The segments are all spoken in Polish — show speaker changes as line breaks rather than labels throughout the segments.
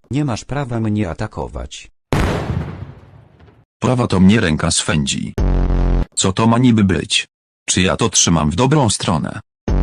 Nie masz prawa mnie atakować.
Prawa to mnie ręka swędzi. Co to ma niby być? Czy ja to trzymam w dobrą stronę?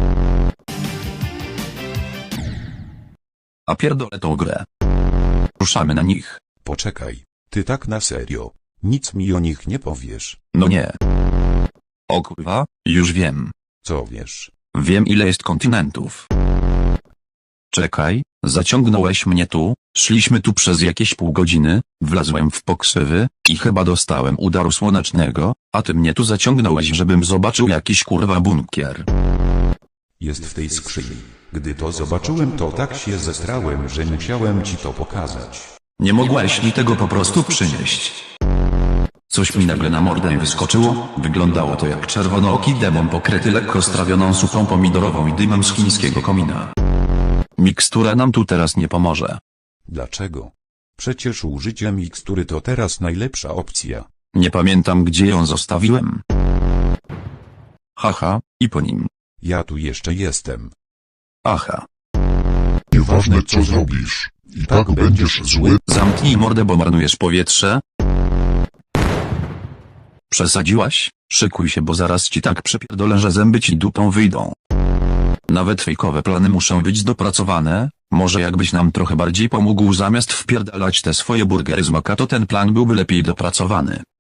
A pierdolę tą grę. Ruszamy na nich.
Poczekaj, ty tak na serio. Nic mi o nich nie powiesz.
No nie. O kurwa, już wiem.
Co wiesz?
Wiem ile jest kontynentów. Czekaj, zaciągnąłeś mnie tu, szliśmy tu przez jakieś pół godziny, wlazłem w poksywy, i chyba dostałem udaru słonecznego, a ty mnie tu zaciągnąłeś, żebym zobaczył jakiś kurwa bunkier.
Jest w tej skrzyni. Gdy to zobaczyłem, to tak się zestrałem, że musiałem ci to pokazać.
Nie mogłeś mi tego po prostu przynieść. Coś mi nagle na mordę wyskoczyło, wyglądało to jak czerwonooki demon pokryty lekko strawioną supą pomidorową i dymem z chińskiego komina. Mikstura nam tu teraz nie pomoże.
Dlaczego? Przecież użycie mikstury to teraz najlepsza opcja.
Nie pamiętam gdzie ją zostawiłem. Haha, i po nim.
Ja tu jeszcze jestem.
Aha.
Nieważne co zrobisz, i tak będziesz zły.
Zamknij mordę, bo marnujesz powietrze. Przesadziłaś? Szykuj się, bo zaraz ci tak przepierdolę, że zęby ci dupą wyjdą. Nawet fejkowe plany muszą być dopracowane. Może jakbyś nam trochę bardziej pomógł zamiast wpierdalać te swoje burgery z maka, to ten plan byłby lepiej dopracowany.